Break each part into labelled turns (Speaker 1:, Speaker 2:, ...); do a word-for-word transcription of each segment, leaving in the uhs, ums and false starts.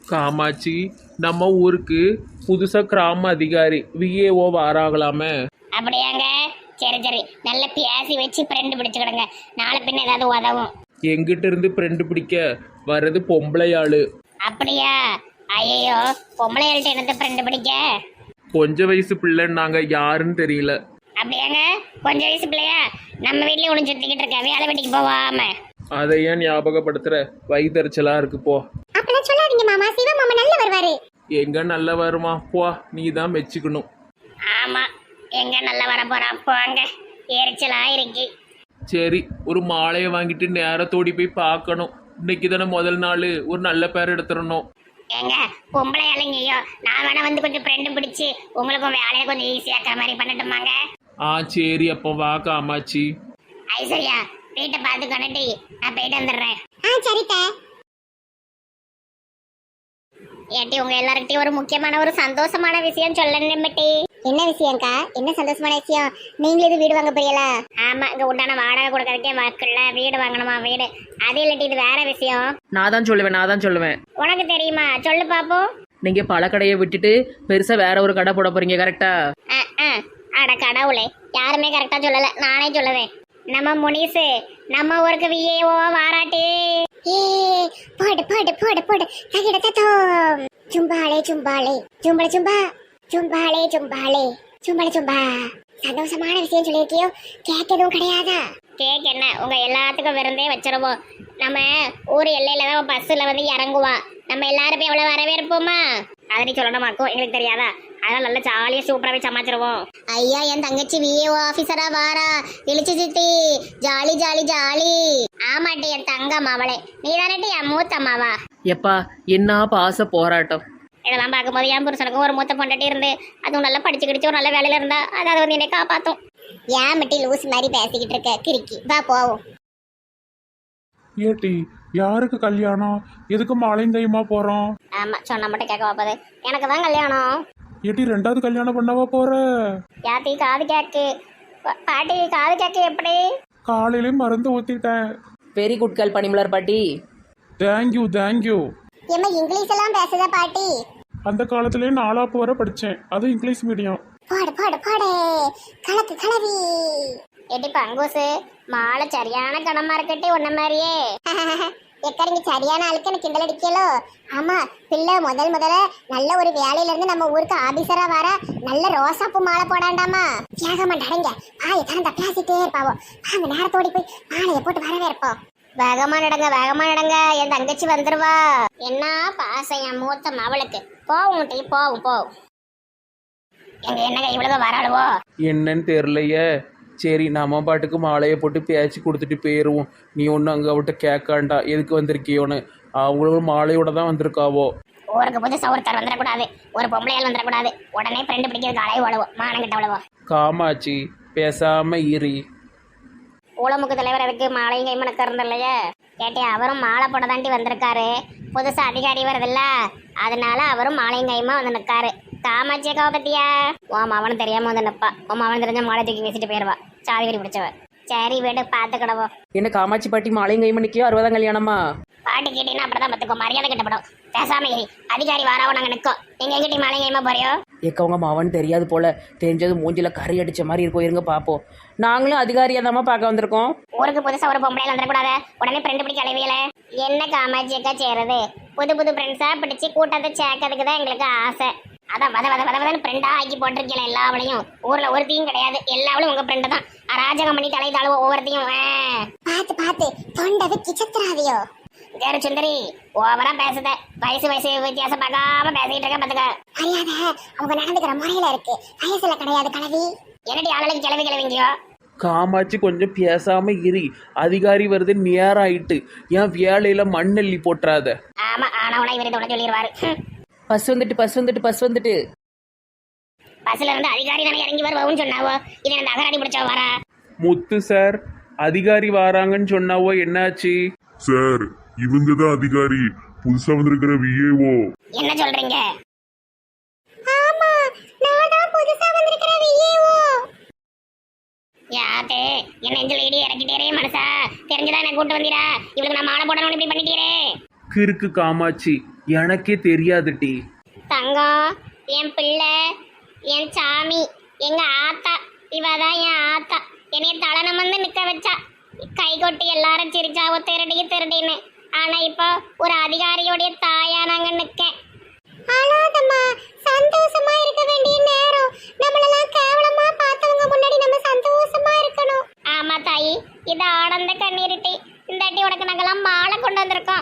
Speaker 1: காமாட்சி, நம்ம ஊருக்கு புதுசா கிராம அதிகாரி விஏஓ வாராகலாமே.
Speaker 2: அப்படியாங்க? சரி சரி, நல்ல பேசி வச்சு ஃப்ரெண்டு பிடிச்சுக்கிடுங்க, நாளை பின்ன ஏதாவது உதவும்.
Speaker 1: எங்கிட்ட இருந்து ஃப்ரெண்டு பிடிக்க வர்றது பொம்பளை ஆளு.
Speaker 2: அப்படியா? ஐயோ, பொம்பளைகள்ட்ட என்னத்த ஃப்ரெண்டு பிடிக்க?
Speaker 1: கொஞ்ச வயசு பிள்ளைன்னு நாங்க யாருன்னு தெரியல.
Speaker 2: அப்படியாங்க? கொஞ்சம் வயசு பிள்ளையா? நம்ம வீட்லயே ஒன்று சுத்திக்கிட்டு இருக்க, வேலை வெட்டிக்கு போவாம.
Speaker 1: அதை ஏன் ஞாபகப்படுத்துற? வயிற்றுச்சலா இருக்கு போ.
Speaker 2: அப்பெல்லாம் சொல்லாதீங்க மாமா, சிவா மாமா நல்ல வருவாரு.
Speaker 1: எங்க நல்ல வருமா? போ, நீ தான் மெச்சுக்கணும்.
Speaker 2: ஆமா, எங்க நல்ல வர போறான் போங்க, எரிச்சலா இருக்கு.
Speaker 1: சரி, ஒரு மாலையை வாங்கிட்டு நேரத்தோடி போய் பார்க்கணும். இன்னைக்கு தானே முதல் நாள், ஒரு நல்ல பேர் எடுத்துடணும்.
Speaker 2: ஏங்க பொம்பளை இலைங்கயோ, நான் வேணா வந்து கொஞ்சம் ஃப்ரெண்டு பிடிச்சி உங்களுக்கும் வேலையை கொஞ்சம் ஈஸியாக்குற மாதிரி பண்ணட்டுமாங்க?
Speaker 1: ஆ சரி, அப்போ வா காமாட்சி.
Speaker 2: ஐஸ்வர்யா, வீட்டை பார்த்து கொண்டுட்டு நான் போயிட்டு வந்துடுறேன். ஆ சரிக்கா. ஏட்டி, உங்க எல்லார்கிட்டயும் ஒரு முக்கியமான ஒரு சந்தோஷமான விஷயம் சொல்லணும். என்ன விஷயம்க்கா? என்ன சந்தோஷமான விஷயம்? நீங்களும் இது வீடு வாங்க போறீங்களா? ஆமா, இங்க உண்டான வாடகை கொடுக்கறதுக்கே வாக்குல வீடு வாங்கணுமா வீடு. அது இல்லாட்டி இது வேற விஷயம்.
Speaker 3: நான் தான் சொல்லுவேன் நான் தான் சொல்லுவேன்
Speaker 2: உனக்கு தெரியுமா? சொல்லு பாப்போம்.
Speaker 3: நீங்க பழக்கடையை விட்டுட்டு பெருசா வேற ஒரு கடை போட போறீங்க, கரெக்டா?
Speaker 2: அட கடவுளே, யாருமே கரெக்டா சொல்லல, நானே சொல்லுவேன். நம்ம முனிசு நம்ம ஊருக்கு விஏஓ வாராட்டி. போடு போடு போடு போடு, தகிட தத்தோம். சும்பாளே சும்பாளே சும்பள சும்பா சும்பாளே சும்பாளே சும்பள சும்பா. சந்தோஷமான விஷயம் சொல்லியிருக்கியோ, கேக் எதுவும் கிடையாதா? கேக் என்ன, உங்க எல்லாத்துக்கும் விருந்தே வச்சிருவோம். நம்ம ஊர் எல்லையில தான் பஸ்ஸில் வந்து இறங்குவா. நம்ம எல்லாரும் போய் எவ்வளோ வரவேற்போமா? அதை நீ சொல்லணுமாக்கும், எங்களுக்கு தெரியாதா? அதெல்லாம் நல்லா ஜாலியாக சூப்பராகவே சமாளிச்சிருவோம். ஐயா, என் தங்கச்சி விஏஓ ஆஃபீஸரா வாரா, இழிச்சு சித்தி, ஜாலி ஜாலி ஜாலி. ஆமாட்டி, என் தங்கம் அவளே, நீ தானே என் மூத்த அம்மாவா?
Speaker 3: எப்பா என்ன பாச போராட்டம்.
Speaker 2: இதெல்லாம் பார்க்கும்போது என் புருஷனுக்கும் ஒரு மூத்த பொண்டாட்டி இருந்து அதுவும் நல்லா படிச்சு கிடிச்சு ஒரு நல்ல வேலையில இருந்தா அதாவது வந்து என்னை காப்பாற்றும். ஏன் மட்டி லூஸ் மாதிரி பேசிக்கிட்டு இருக்க கிறுக்கி, வா போவோம்.
Speaker 1: ஏட்டி, யாருக்கு கல்யாணம்? எதுக்கு மாலையும் கையுமா போறோம்?
Speaker 2: ஆமா, சொன்ன மட்டும் கேட்க வாப்பது. எனக்கு தான் கல்யாணம்.
Speaker 1: ஏட்டி, ரெண்டாவது கல்யாணம் பண்ணவா போற?
Speaker 2: யாத்தி காது கேக்கு? பாட்டி காது கேக்கு எப்படி?
Speaker 1: காலையிலயும் மருந்து ஊத்திட்டேன்.
Speaker 3: வெரி குட் கேர்ள் பனிமலர் பாட்டி.
Speaker 1: Thank you thank you.
Speaker 2: ஏமா இங்கிலீஷ் எல்லாம் பேசுதா பாட்டி?
Speaker 1: அந்த காலத்திலேயே நாலாப்பு வரை படித்தேன், அது இங்கிலீஷ் மீடியம்.
Speaker 2: பாடு பாடு பாடு, கலக்கு கலவி. எடி பங்கூசு, மாலை சரியான கணமா இருக்கட்டி உன்ன மாதிரியே. எக்கறிங்க சரியான ஆளுக்கு எனக்கு கிண்டல் அடிக்கலோ. ஆமா, பிள்ளை முதல் முதல்ல நல்ல ஒரு வேலையில இருந்து நம்ம ஊருக்கு ஆபீசரா வர நல்ல ரோசாப்பூ மாலை போடாண்டாமா? தியாக மாட்டாங்க, ஆய தரந்த பேசிட்டே இருப்பாவோ. வாங்க நேரத்தோடி போய் மாலையை போட்டு வரவே இருப்போம். வேகமா நடங்க வேகமா நடங்க, என் தங்கச்சி வந்துருவா. என்ன பாசம் என் மூத்த மவளுக்கு. போவும் டீ போவும் போவும். எங்க என்னங்க இவ்வளவு வராளுவோ?
Speaker 1: என்னன்னு தெரியலையே. சரி, நம்ம பாட்டுக்கு மாலையை போட்டு பேச்சு கொடுத்துட்டு போயிடுவோம். நீ ஒன்றும் அங்கே அவட்ட கேட்காண்டா எதுக்கு வந்திருக்கியோன்னு. அவங்களும் மாலையோட தான் வந்திருக்காவோ.
Speaker 2: ஊருக்கு புதுசா ஒருத்தர் வந்துடக்கூடாது, ஒரு பொம்பளையால் வந்துடக்கூடாது. உடனே ஃப்ரெண்டு பிடிக்கிறதுக்கு அலைவு அவ்வளவோ, மானங்கிட்ட அவ்வளவோ.
Speaker 1: காமாட்சி, பேசாம இரு.
Speaker 2: ஊழமுக்கு தலைவர் அதுக்கு மாலையும் கைமணக்க இருந்தில்லையே. கேட்டே, அவரும் மாலை போட தாண்டி வந்திருக்காரு. புதுசா அதிகாரி வருதுல்ல, அதனால அவரும் மாலையும் கைமா வந்து நிற்காரு. காமாட்சியக்காவை பத்தியா? உன் அவனும் தெரியாம வந்து நிப்பா. உன் அவன் தெரிஞ்ச மாலை தூக்கி வீசிட்டு போயிடுவா, சாதி வெடி பிடிச்சவ. சரி வீடு பார்த்துக்கிடவோம்.
Speaker 3: என்ன காமாட்சி பாட்டி மாலையும் கை மணிக்கோ அறுபதாம் கல்யாணமா?
Speaker 2: பாட்டி கேட்டீங்கன்னா அப்படிதான் பத்துக்கோ, மரியாதை கிட்டப்படும். பேசாம அதிகாரி வாராவோ நாங்க நிற்கோம். நீங்க எங்கிட்ட மாலை கைமா போறியோ?
Speaker 3: ஏக்க உங்க மாவன் தெரியாது போல, தெரிஞ்சது மூஞ்சில கறி அடிச்ச மாதிரி இருக்கும். இருங்க பாப்போம். நாங்களும் அதிகாரியா தான் பார்க்க வந்திருக்கோம்.
Speaker 2: ஊருக்கு புதுசா ஒரு பொம்பளையில வந்துடக்கூடாது, உடனே ஃப்ரெண்டு பிடிக்க அலைவியல. என்ன காமாட்சியக்கா செய்யறது? புது புது ஃப்ரெண்ட்ஸா பிடிச்சி கூட்டத்தை சேர்க்கறதுக்கு தான் எங்களுக்கு ஆசை. அதான் வத வத வத வதன்னு ஃப்ரெண்டா ஆக்கி போட்டிருக்கல எல்லாவளையும். ஊர்ல ஒருத்தையும் கிடையாது, எல்லாவளும் உங்க ஃப்ரெண்டு தான். அராஜகம் பண்ணி தலை தாழுவ ஒவ்வொருத்தையும். பார்த்து பார்த்து தொண்டது கிச்சத்துறாதியோ. வேற சுந்தரி, ஓவரா பேசுத. வயசு வயசு வித்தியாசம் பார்க்காம பேசிட்டு இருக்க பாத்துக்க. அறியாத அவங்க நடந்துக்கிற முறையில இருக்கு, வயசுல கிடையாது கலவி. என்னடி ஆளுக்கு கிளவி கிளவிங்கயோ?
Speaker 1: காமாட்சி, கொஞ்சம் பேசாம இரு. அதிகாரி வருது, நேரம் ஆயிட்டு. ஏன் வேலையில மண்ணெல்லி போட்டுறாத.
Speaker 2: ஆமா, ஆனவனா இவரை தொட சொல்லிடுவாரு.
Speaker 3: பஸ் வந்துட்டு பஸ் வந்துட்டு பஸ் வந்துட்டு.
Speaker 2: பஸ்ல இருந்து அதிகாரி தானே இறங்கி வருவோம்னு சொன்னாவோ, இது அந்த அகராடி பிடிச்சா வரா.
Speaker 1: முத்து சார், அதிகாரி வராங்கன்னு சொன்னாவோ, என்னாச்சு
Speaker 4: சார்? இவங்க தான் அதிகாரி, புதுசா வந்திருக்கிற விஏஓ.
Speaker 2: என்ன சொல்றீங்க? ஆமா, நான் தான் புதுசா வந்திருக்கிற விஏஓ. யாத்தே, என்ன நெஞ்சில இடி இறக்கிட்டேரே மனசா. தெரிஞ்சதா என்ன கூட்டு வந்தீரா? இவளுக்கு நான் மாலை போடணும்னு இப்படி பண்ணிட்டீரே.
Speaker 1: கிறுக்கு காமாட்சி, எனக்கே தெரியாது டி.
Speaker 2: தங்கம், என் பிள்ளை, என் சாமி, எங்க ஆத்தா, இவதான் என் ஆத்தா. என்னைய தலனம் வந்து நிக்க வச்சா, கை கொட்டி எல்லாரும் சிரிச்சாவோ திருடி திருடின்னு. ஆனா இப்போ ஒரு அதிகாரியோடைய தாயா நாங்க நிக்கேன். அழாதம்மா, சந்தோஷமா இருக்க வேண்டிய நேரம். நம்மளெல்லாம் கேவலமா பார்த்தவங்க முன்னாடி நம்ம சந்தோஷமா இருக்கணும். ஆமா தாயி, இது ஆனந்த கண்ணீரிட்டி. இந்த அடி உனக்கு நாங்கெல்லாம் மாலை கொண்டு வந்திருக்கோம்.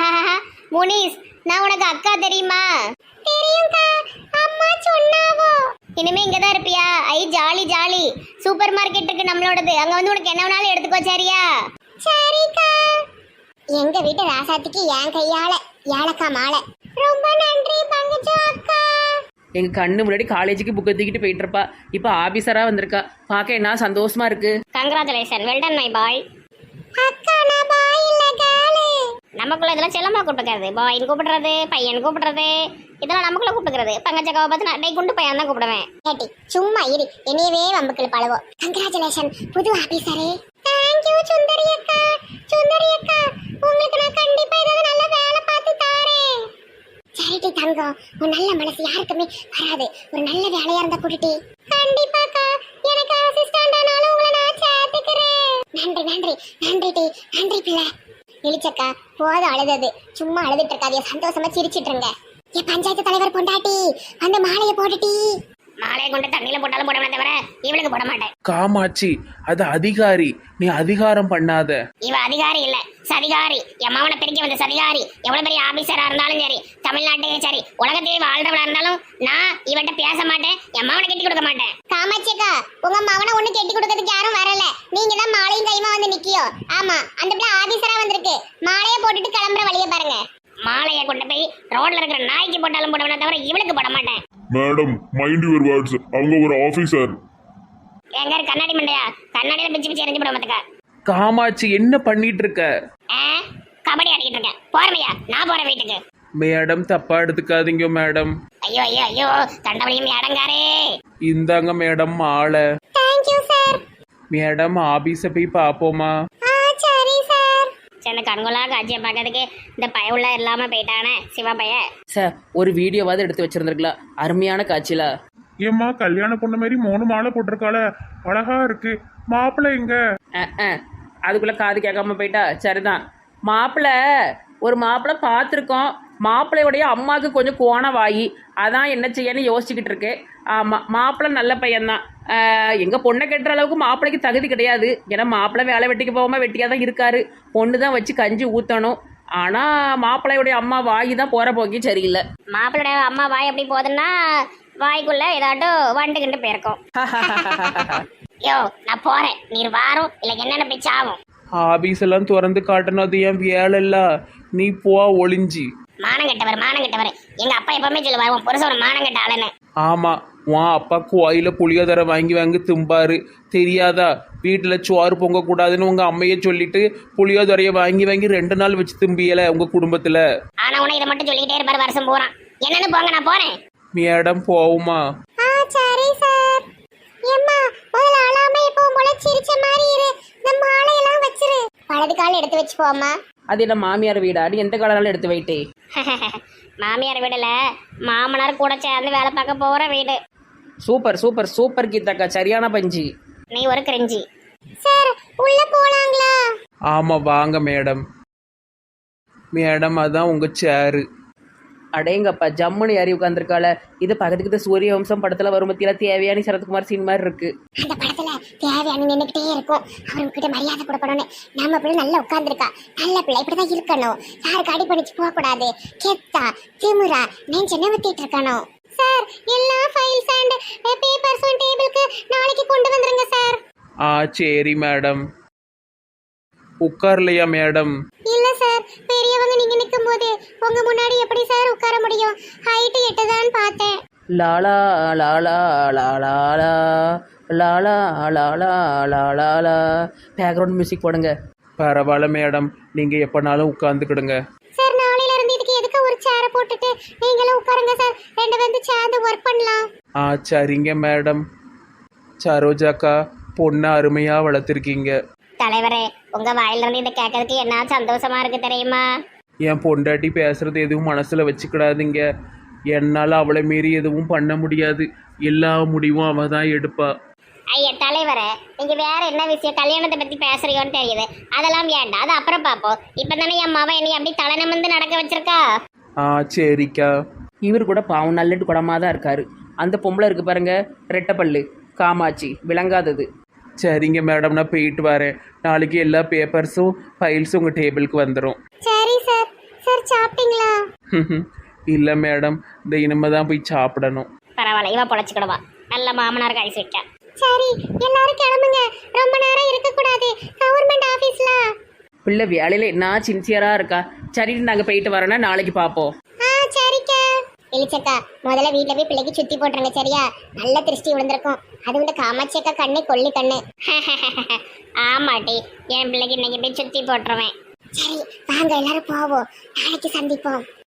Speaker 2: முனிஸ், நான் உனக்கு அக்கா தெரியுமா? தெரியும்க்கா, அம்மா சொன்னாவோ. இனிமே இங்கதான் இருப்பியா? ஐ ஜாலி ஜாலி. சூப்பர் மார்க்கெட் இருக்கு நம்மளோடது, அங்க வந்து உனக்கு என்ன வேணாலும் எடுத்துக்கோ, சரியா? சரிக்கா. எங்க வீட்டு ராசாத்திக்கு என் கையால ஏலக்கா மாலை. ரொம்ப நன்றி பங்கஜு அக்கா.
Speaker 3: எங்கள் கண்ணு முன்னாடி காலேஜுக்கு புக்கை தூக்கிட்டு போயிட்டு இருப்பா. இப்போ ஆஃபீஸராக வந்திருக்கா. பார்க்க என்ன சந்தோஷமா இருக்கு.
Speaker 2: Congratulation, well done my boy. அக்கா நான் பாய் இல்ல கேர்ள். நமக்குள்ள இதெல்லாம் செல்லமா கூப்பிடுறது, பாய்னு கூப்பிடுறது, பையன் கூப்பிடுறது, இதெல்லாம் நமக்குள்ள கூப்பிடுறது. பங்கஜக்காவை பார்த்து நான் டே குண்டு பையன் தான் கூப்பிடுவேன். ஏட்டி சும்மா இரு, என்னையவே வம்புக்குள்ள பழவோம். கங்க்ராச்சுலேஷன் புது ஆபீசரே. தேங்க் யூ சுந்தரி அக்கா. சுந்தரி அக்கா, உங்களுக்கு நான் கண்டிப்பா ஏதாவது நல்ல வேலை பார்த்து தாரேன். சரிடி தங்கம், உன் நல்ல மனசு யாருக்குமே வராது. ஒரு நல்ல வேலையா இருந்தா கூட்டிட்டு. கண்டிப்பாக்கா, எனக்கு அசிஸ்டன்ட் ஆனாலும் உங்களை நான் சேர்த்துக்கிறேன். நன்றி நன்றி நன்றி டி, நன்றி பிள்ளை. இழிச்சக்கா, போதும் அழுதது. சும்மா அழுதுட்டு இருக்காதிய, சந்தோஷமா சிரிச்சிட்டு இருங்க. என் பஞ்சாயத்து தலைவர் பொண்டாட்டி அந்த மாலையை போட்டுட்டி. மாலையை கொண்டு தண்ணியில போட்டாலும் போட தவிர இவளுக்கு போட மாட்டேன்.
Speaker 1: காமாட்சி, அது அதிகாரி, நீ அதிகாரம் பண்ணாத.
Speaker 2: இவ அதிகாரி இல்ல, சதிகாரி. என் மாவனை பிரிக்க வந்த சதிகாரி. எவ்வளவு பெரிய ஆபீசரா இருந்தாலும் சரி, தமிழ்நாட்டையும் சரி, உலகத்திலே வாழ்றவளா இருந்தாலும் நான் இவன்ட்ட பேச மாட்டேன். என் மாவனை கட்டி கொடுக்க மாட்டேன். காமாட்சிக்கா, உங்க மாவனை ஒண்ணு கட்டி கொடுக்கறதுக்கு யாரும் வரல. நீங்க தான் மாலையும் கைமா வந்து நிக்கியோ. ஆமா, அந்த பிள்ளை ஆபீசரா வந்திருக்கு. மாலையை போட்டுட்டு கிளம்புற வழியை பாருங்க. மாலையை கொண்டு போய் ரோட்ல இருக்கிற நாய்க்கு போட்டாலும் போடுவேன் தவிர இவளுக்கு போட மாட்டேன்.
Speaker 4: Madam, mind your words. அவங்க ஒரு ஆபீசர்.
Speaker 2: எங்க கண்ணாடி மண்டையா? கண்ணாடியில பிச்சு பிச்சு எரிஞ்சு போடுவதுக்கா.
Speaker 1: காமாட்சி, என்ன பண்ணிட்டு இருக்க?
Speaker 2: கபடி ஆடிக்கிட்டு இருக்கேன். போறமையா? நான் போறேன் வீட்டுக்கு.
Speaker 1: மேடம், தப்பா எடுத்துக்காதீங்க மேடம்.
Speaker 2: ஐயோ ஐயோ ஐயோ, தண்டவழியும் அடங்காரே.
Speaker 1: இந்தாங்க மேடம் மாலை.
Speaker 2: Thank you sir.
Speaker 1: மேடம், ஆபீஸ போய் பாப்போமா?
Speaker 2: சரி சார். சின்ன கண்கொள்ளா காட்சியை பார்க்கறதுக்கு இந்த பய உள்ள இல்லாம போயிட்டானே சிவா பைய.
Speaker 3: சார், ஒரு வீடியோவாவது எடுத்து வச்சிருந்துருக்கலாம். அருமையான காட்சியில.
Speaker 1: ஏம்மா, கல்யாண பொண்ணு மாதிரி மூணு மாலை போட்டிருக்காள, அழகா இருக்கு. மாப்பிள்ளை எங்க?
Speaker 3: அஹ், அஹ். அதுக்குள்ள காது கேட்காம போயிட்டா. சரிதான். மாப்பிள்ளை, ஒரு மாப்பிள்ளை பார்த்துருக்கோம். மாப்பிள்ளையுடைய அம்மாவுக்கு கொஞ்சம் கோண வாயி, அதான் என்ன செய்யன்னு யோசிச்சுக்கிட்டு இருக்கு. ஆமாம், மாப்பிள்ளை நல்ல பையன்தான். எங்கள் பொண்ணை கட்டுற அளவுக்கு மாப்பிள்ளைக்கு தகுதி கிடையாது. ஏன்னா மாப்பிள்ளை வேலை வெட்டிக்கு போகாமல் வெட்டியாக தான் இருக்காரு. பொண்ணு தான் வச்சு கஞ்சி ஊற்றணும். ஆனால் மாப்பிள்ளையுடைய அம்மா வாய் தான் போகிற போக்கி சரியில்லை.
Speaker 2: மாப்பிள்ளையோட அம்மா வாய் எப்படி போகுதுன்னா வாய்க்குள்ள ஏதாட்டும் வண்டு கிண்டு போயிருக்கும். யோ, நான் போறேன். நீர் வாரும் இல்லை என்னென்ன போய் சாவும்.
Speaker 1: ஆபீஸ் எல்லாம் திறந்து காட்டணும், அது என் வேலை இல்ல. நீ போ ஒளிஞ்சி.
Speaker 2: மானம் கெட்டவர், மானம் கெட்டவர். எங்க அப்பா எப்பவுமே சொல்லுவார், உன் புருஷன் ஒரு மானம் கெட்ட ஆளுன்னு.
Speaker 1: ஆமா, உன் அப்பா கோயில புளியோதரை வாங்கி வாங்கி திம்பாரு, தெரியாதா? வீட்டில் சோறு பொங்க கூடாதுன்னு உங்க அம்மையே சொல்லிட்டு புளியோதரையை வாங்கி வாங்கி ரெண்டு நாள் வச்சு திம்பியல உங்க குடும்பத்துல.
Speaker 2: ஆனா உன இதை மட்டும் சொல்லிக்கிட்டே இருப்பாரு வருஷம் போறான். என்னன்னு போங்க, நான் போறேன்.
Speaker 1: மேடம், போவுமா?
Speaker 2: சரி சார். ஏம்மா, முதல்ல அழாம இப்போ போல சிரிச்ச மாதிரி இரு. இந்த மாலையெல்லாம் வச்சிரு. வலது கால் எடுத்து வச்சு போம்மா.
Speaker 3: அது என்ன மாமியார் வீடாடி? எந்த காலனாலும் எடுத்து வைட்டே.
Speaker 2: மாமியார் வீடுல மாமனார் கூட சேர்ந்து வேலை பார்க்க போற வீடு.
Speaker 3: சூப்பர் சூப்பர் சூப்பர் கீதாக்கா, சரியான பஞ்சி.
Speaker 2: நீ ஒரு கிரிஞ்சி. சார், உள்ள போலாங்களா?
Speaker 1: ஆமா, வாங்க மேடம். மேடம், அதான் உங்க சேரு.
Speaker 3: அடேங்கப்பா, ஜம்முன்னு ஏறி உட்காந்துருக்காள. இது பக்கத்துக்கு சூரிய வம்சம் படத்துல வரும் பத்தியில தேவையான சரத்குமார் சீன் மாதிரி இருக்கு.
Speaker 2: அந்த படத்துல தேவையான நின்றுகிட்டே இருக்கும். அவர்கிட்ட மரியாதை கொடுக்கணும்னு. நம்ம பிள்ளை நல்லா உட்கார்ந்துருக்கா. நல்ல பிள்ளை இப்படிதான் இருக்கணும். யாருக்கு அடி பண்ணிச்சு போக கூடாது. கெத்தா திமுறா நெஞ்ச நிமித்திட்டு இருக்கணும். சார், எல்லா ஃபைல்ஸ் அண்ட் பேப்பர்ஸ் டேபிளுக்கு நாளைக்கு கொண்டு வந்துருங்க சார்.
Speaker 1: ஆ, சரி மேடம். உட்கார்லையா மேடம்?
Speaker 2: இல்ல சார், பெரியவங்க நீங்க நிக்கும் போது உங்க முன்னாடி எப்படி சார் உட்கார முடியும்? ஹைட் எட்டுதான் பார்த்தேன்.
Speaker 3: லாலா லாலா லாலா லாலா லாலா லாலா. பேக்ரவுண்ட் மியூசிக் போடுங்க.
Speaker 1: பரவாயில்ல மேடம், நீங்க எப்பனாலும் உட்கார்ந்துக்கிடுங்க.
Speaker 2: சார், நாளையில இருந்து இதுக்கு எதுக்கு ஒரு சேரை போட்டுட்டு நீங்களும் உட்காருங்க சார். ரெண்டு பேரும் சேர்ந்து ஒர்க் பண்ணலாம்.
Speaker 1: ஆ, சரிங்க மேடம். சரோஜாக்கா, பொண்ணு அருமையா வளர்த்துருக்கீங்க.
Speaker 2: தலைவரே, உங்க வாயில இருந்து இதை கேட்கறதுக்கு என்ன சந்தோஷமா இருக்கு தெரியுமா?
Speaker 1: என் பொண்டாட்டி பேசுறது எதுவும் மனசில் வச்சுக்கிடாதீங்க. என்னால் அவளை மீறி எதுவும் பண்ண முடியாது. எல்லா முடிவும் அவள் தான் எடுப்பா.
Speaker 2: ஐயா தலைவரே, நீங்க வேற என்ன விஷயம் கல்யாணத்தை பத்தி பேசுறீங்கன்னு தெரியுது. அதெல்லாம் வேண்டாம், அது அப்புறம் பார்ப்போம். இப்பதானே என் மாவன் என்னை அப்படி தலை நிமிர்ந்து நடக்க வச்சிருக்கா.
Speaker 1: ஆ சரிக்கா.
Speaker 3: இவர் கூட பாவம் நல்லட்டு குடமாக தான் இருக்காரு. அந்த பொம்பளை இருக்கு பாருங்க, ரெட்டப்பல்லு காமாட்சி, விளங்காதது.
Speaker 1: சரிங்க மேடம், நான் போயிட்டு வரேன். நாளைக்கு எல்லா பேப்பர்ஸும் ஃபைல்ஸும் உங்கள் டேபிளுக்கு வந்துடும்.
Speaker 2: சரி சார். சார் சாப்பிட்டீங்களா?
Speaker 1: இல்லை மேடம், இந்த இனிமே தான் போய் சாப்பிடணும்.
Speaker 2: பரவாயில்ல, இவ பொழைச்சிக்கிடுவா. நல்ல மாமனார் கைஸ் விட்டா. சரி எல்லாரும் கிளம்புங்க, ரொம்ப நேரம் இருக்க கூடாது கவர்மெண்ட் ஆபீஸ்ல.
Speaker 3: பிள்ளை வேலையில் என்ன சின்சியராக இருக்கா. சரி நாங்கள் போயிட்டு வரோன்னா நாளைக்கு பார்ப்போம்.
Speaker 2: ஆ சரிக்கா. இளிச்சக்கா, முதல்ல வீட்டில் போய் பிள்ளைக்கு சுத்தி போட்டுருங்க சரியா? நல்ல திருஷ்டி விழுந்திருக்கும். அது வந்து காமாட்சியக்கா கண்ணு கொல்லி கண்ணு. ஆமாட்டி, என் பிள்ளைக்கு இன்னைக்கு போய் சுத்தி போட்டுருவேன். சரி வாங்க எல்லாரும் போவோம், நாளைக்கு சந்திப்போம்.